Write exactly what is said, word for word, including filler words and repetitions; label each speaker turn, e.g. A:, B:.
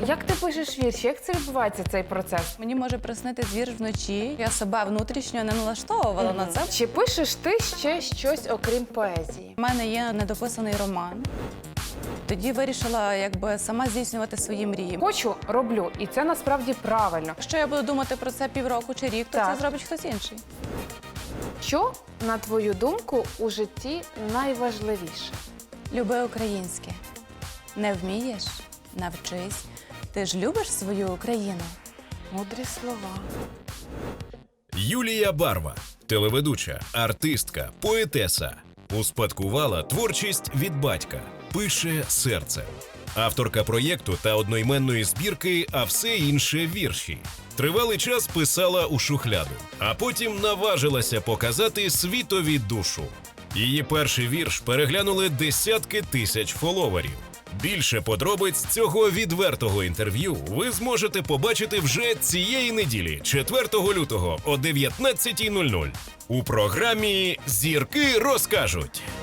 A: Як ти пишеш вірші? Як це відбувається, цей процес?
B: Мені може приснитись вірш вночі. Я себе внутрішньо не налаштовувала на це.
A: Чи пишеш ти ще щось, окрім поезії?
B: У мене є недописаний роман. Тоді вирішила якби сама здійснювати свої мрії.
A: Хочу, роблю. І це насправді правильно.
B: Якщо я буду думати про це півроку чи рік, то
A: Так.
B: це зробить хтось інший.
A: Що, на твою думку, у житті найважливіше?
B: Люби українське. Не вмієш? Навчись. Ти ж любиш свою Україну?
A: Мудрі слова.
C: Юлія Барва – телеведуча, артистка, поетеса. Успадкувала творчість від батька. Пише серцем. Авторка проєкту та одноіменної збірки «А все інше вірші». Тривалий час писала у шухляду, а потім наважилася показати світові душу. Її перший вірш переглянули десятки тисяч фоловерів. Більше подробиць цього відвертого інтерв'ю ви зможете побачити вже цієї неділі, четвертого лютого о дев'ятнадцятій нуль нуль у програмі «Зірки розкажуть».